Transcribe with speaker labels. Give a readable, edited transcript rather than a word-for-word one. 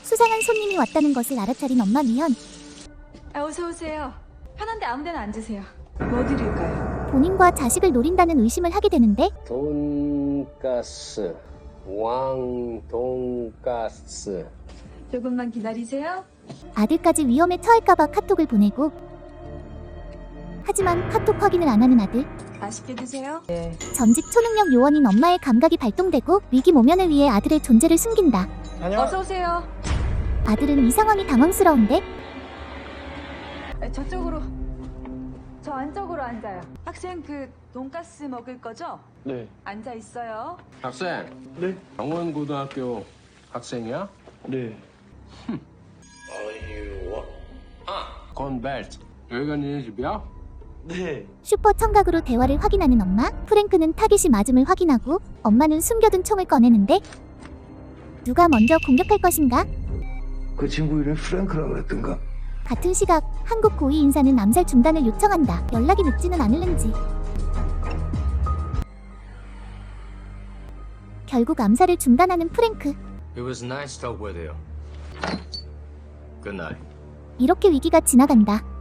Speaker 1: 수상한 손님이 왔다는 것을 알아차린 엄마 미현.
Speaker 2: 어서 오세요. 편한데 아무데나 앉으세요. 뭐 드릴까요?
Speaker 1: 본인과 자식을 노린다는 의심을 하게 되는데
Speaker 3: 돈가스, 왕돈가스.
Speaker 2: 조금만 기다리세요.
Speaker 1: 아들까지 위험에 처할까봐 카톡을 보내고, 하지만 카톡 확인을 안 하는 아들.
Speaker 2: 맛있게 드세요.
Speaker 1: 전직 초능력 요원인 엄마의 감각이 발동되고 위기 모면을 위해 아들의 존재를 숨긴다.
Speaker 2: 어서 오세요.
Speaker 1: 아들은 이 상황이 당황스러운데
Speaker 2: 저쪽으로. 저 안쪽으로 앉아요. 학생 돈가스 먹을 거죠?
Speaker 4: 네.
Speaker 2: 앉아 있어요.
Speaker 3: 학생,
Speaker 4: 네.
Speaker 3: 강원고등학교 학생이야?
Speaker 4: 네.
Speaker 3: 건벨트. 여기가 니네 집이야?
Speaker 4: 네.
Speaker 1: 슈퍼 청각으로 대화를 확인하는 엄마. 프랭크는 타깃이 맞음을 확인하고 엄마는 숨겨둔 총을 꺼내는데 누가 먼저 공격할 것인가?
Speaker 5: 그 친구 이름 프랭크라 그랬던가?
Speaker 1: 같은 시각 한국 고위 인사는 암살 중단을 요청한다. 연락이 늦지는 않을는지. 결국 암살을 중단하는 프랭크.
Speaker 6: It was nice to talk with you. Good night.
Speaker 1: 이렇게 위기가 지나간다.